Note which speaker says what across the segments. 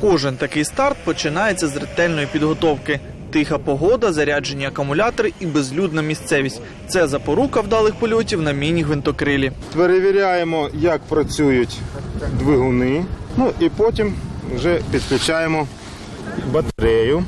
Speaker 1: Кожен такий старт починається з ретельної підготовки. Тиха погода, заряджені акумулятори і безлюдна місцевість – це запорука вдалих польотів на міні-гвинтокрилі.
Speaker 2: Перевіряємо, як працюють двигуни, і потім вже підключаємо батарею.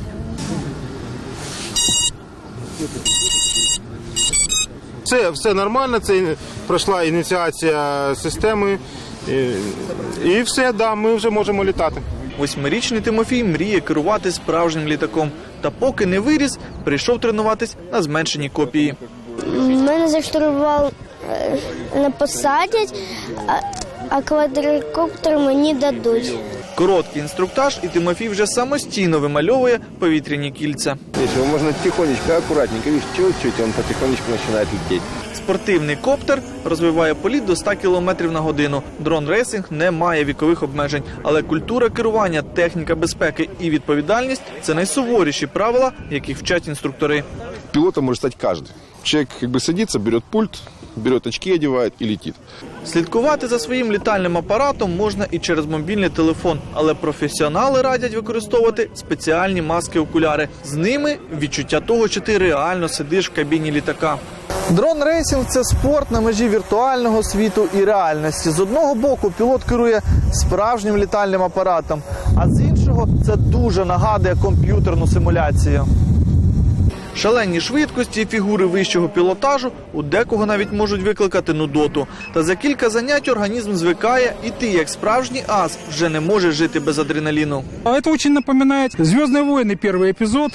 Speaker 2: Все нормально, це пройшла ініціація системи і все, ми вже можемо літати.
Speaker 1: 8-річний Тимофій мріє керувати справжнім літаком. Та поки не виріс, прийшов тренуватись на зменшеній копії.
Speaker 3: Мене за штурвал не посадять, а квадрокоптер мені дадуть.
Speaker 1: Короткий інструктаж, і Тимофій вже самостійно вимальовує повітряні кільця.
Speaker 4: Его можно тихонечко, аккуратненько, видишь, чуть-чуть, он потихонечку начинает лететь.
Speaker 1: Спортивний коптер розвиває політ до 100 км на годину. Дрон-рейсинг не має вікових обмежень. Але культура керування, техніка безпеки і відповідальність – це найсуворіші правила, яких вчать інструктори.
Speaker 5: Пилотом может стать каждый. Человек садится, берет пульт, берет очки, одевает и летит.
Speaker 1: Слідкувати за своїм літальним апаратом можна і через мобільний телефон, але професіонали радять використовувати спеціальні маски-окуляри. З ними відчуття того, що ти реально сидиш в кабіні літака. Дрон-рейсинг – це спорт на межі віртуального світу і реальності. З одного боку пілот керує справжнім літальним апаратом, а з іншого – це дуже нагадує комп'ютерну симуляцію. Шалені швидкості і фігури вищого пілотажу у декого навіть можуть викликати нудоту. Та за кілька занять організм звикає, і ти, як справжній ас, вже не можеш жити без адреналіну.
Speaker 6: Это очень напоминает «Звездные войны» первый эпизод.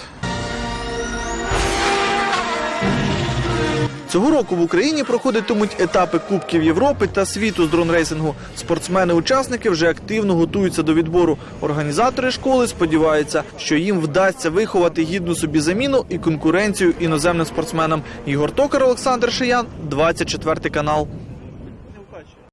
Speaker 1: Цього року в Україні проходитимуть етапи Кубків Європи та світу з дрон-рейсингу. Спортсмени-учасники вже активно готуються до відбору. Організатори школи сподіваються, що їм вдасться виховати гідну собі заміну і конкуренцію іноземним спортсменам. Ігор Токар, Олександр Шиян, 24 канал.